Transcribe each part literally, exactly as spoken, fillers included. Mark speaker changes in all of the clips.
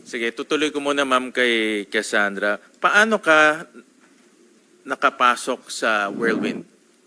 Speaker 1: Sige, tutuloy ko muna ma'am kay Cassandra. Paano ka nakapasok sa Whirlwind?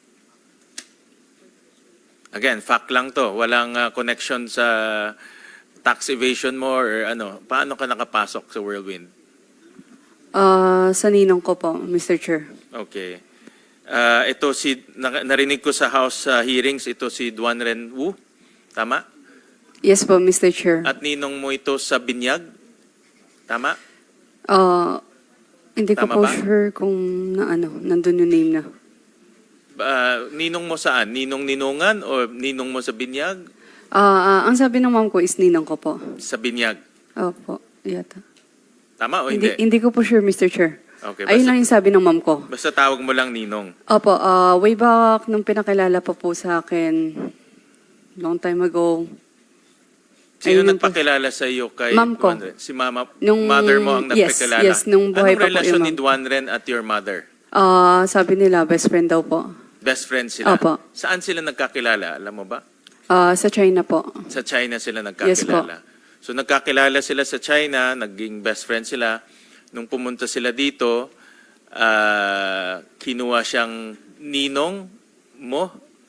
Speaker 1: Again, fact lang to. Walang uh, connection sa tax evasion mo or ano. Paano ka nakapasok sa Whirlwind?
Speaker 2: Ah, sa ninong ko po, Mister Chair.
Speaker 1: Okay. Uh, ito si, na- narinig ko sa House uh, hearings, ito si Duan Ren Wu. Tama?
Speaker 2: Yes po, Mister Chair.
Speaker 1: At ninong mo ito sa Binyag? Tama?
Speaker 2: Ah, hindi ko
Speaker 1: Tama
Speaker 2: po
Speaker 1: ba?
Speaker 2: sure kung na ano, nandun yung name na.
Speaker 1: Uh, ninong mo saan? Ninong Ninungan o ninong mo sa Binyag?
Speaker 2: Ah, ah, ang sabi ng mom ko is ninong ko po.
Speaker 1: Sa Binyag.
Speaker 2: Opo, yata.
Speaker 1: Tama o
Speaker 2: Hindi,
Speaker 1: hindi?
Speaker 2: hindi ko po sure, Mister Chair.
Speaker 1: Okay,
Speaker 2: Ayun
Speaker 1: basta,
Speaker 2: lang yung sabi ng mom ko.
Speaker 1: basta tawag mo lang ninong.
Speaker 2: Opo, ah, way back nung pinakilala pa po sa akin, long time ago.
Speaker 1: Sino
Speaker 2: Ayun lang po.
Speaker 1: nagpakilala sa iyo kay
Speaker 2: Ma'am ko.
Speaker 1: Duan Ren? Si mama,
Speaker 2: Nung-
Speaker 1: mother mo ang
Speaker 2: yes,
Speaker 1: nagpakilala?
Speaker 2: yes, nung buhay
Speaker 1: Anong
Speaker 2: pa po
Speaker 1: relasyon
Speaker 2: yung
Speaker 1: ni
Speaker 2: ma'am.
Speaker 1: Duan Ren at your mother?
Speaker 2: Ah, sabi nila, best friend daw po.
Speaker 1: Best friends sila?
Speaker 2: Opo.
Speaker 1: Saan sila nagkakilala? Alam mo ba?
Speaker 2: Ah, sa China po.
Speaker 1: Sa China sila
Speaker 2: Yes po.
Speaker 1: nagkakilala. So nagkakilala sila sa China, naging best friend sila. Nung pumunta sila dito, ah, kinuha siyang ninong mo?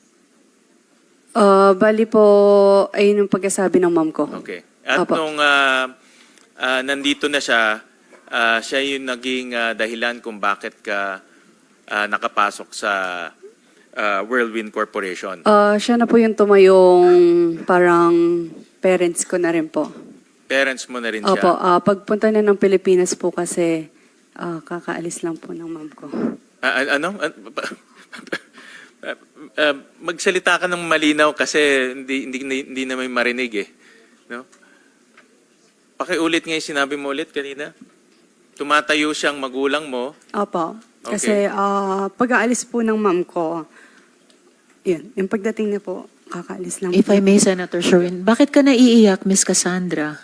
Speaker 2: Ah, bali po, ayun yung pagkasabi ng mom ko.
Speaker 1: Okay. At
Speaker 2: Opo.
Speaker 1: nung ah, ah, nandito na siya, ah, siya yung naging ah, dahilan kung bakit ka ah, nakapasok sa ah, Whirlwind Corporation.
Speaker 2: Ah, siya na po yung tumayong parang parents ko na rin po.
Speaker 1: Parents mo na rin siya.
Speaker 2: Opo, ah, pagpunta na ng Pilipinas po kasi ah, kakaalis lang po ng mom ko.
Speaker 1: Ah, ah, ano? Ah, ah, ah, magsalita ka ng malinaw kasi hindi hindi hindi na may marinig eh. No? Pakiulit nga yung sinabi mo ulit kanina. Tumatayo siyang magulang mo.
Speaker 2: Opo,
Speaker 1: Okay.
Speaker 2: kasi ah, pag-aalis po ng mom ko, yun, yung pagdating niya po, kakaalis lang
Speaker 3: If
Speaker 2: po.
Speaker 3: I may, Senator Sherwin, bakit ka naiiyak, Miss Cassandra?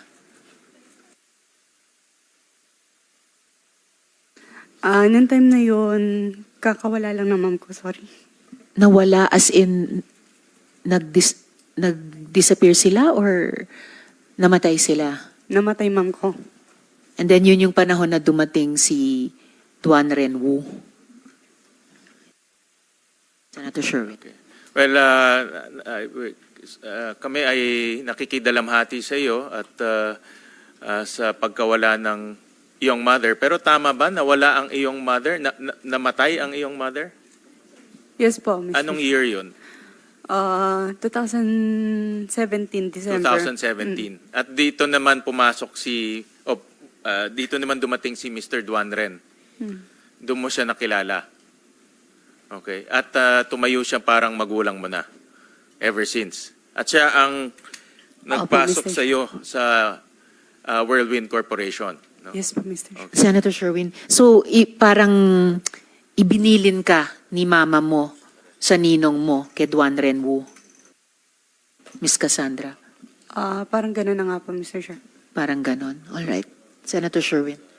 Speaker 2: Ah, nung time na yun, kakawala lang ng mom ko, sorry.
Speaker 3: Nawala as in nag-dis- nag-disappear sila or namatay sila?
Speaker 2: Namatay mom ko.
Speaker 3: And then yun yung panahon na dumating si Duan Ren Wu. Senator Sherwin.
Speaker 1: Okay. Well, uh, uh, uh, kami ay nakikidalamhati sa iyo at uh, uh, sa pagkawala ng iyong mother. Pero tama ba nawala ang iyong mother? Na, na- namatay ang iyong mother?
Speaker 2: Yes po, Mister
Speaker 1: Anong year yun?
Speaker 2: Ah, twenty seventeen, December.
Speaker 1: twenty seventeen. At dito naman pumasok si, oh, uh, dito naman dumating si Mister Duan Ren.
Speaker 2: Hmm.
Speaker 1: Doon mo siya nakilala. Okay. At uh, tumayo siya parang magulang mo na. Ever since. At siya ang nagpasok
Speaker 2: Mister
Speaker 1: sa iyo sa uh, Whirlwind Corporation. No?
Speaker 2: Yes po, Mister
Speaker 1: Okay.
Speaker 3: Senator Sherwin, so i- parang ibinilin ka ni mama mo sa ninong mo kay Duan Ren Wu, Miss Cassandra.
Speaker 2: Ah, parang gano'n na nga po, Mister Chair.
Speaker 3: Parang ganon. All right. Senator Sherwin.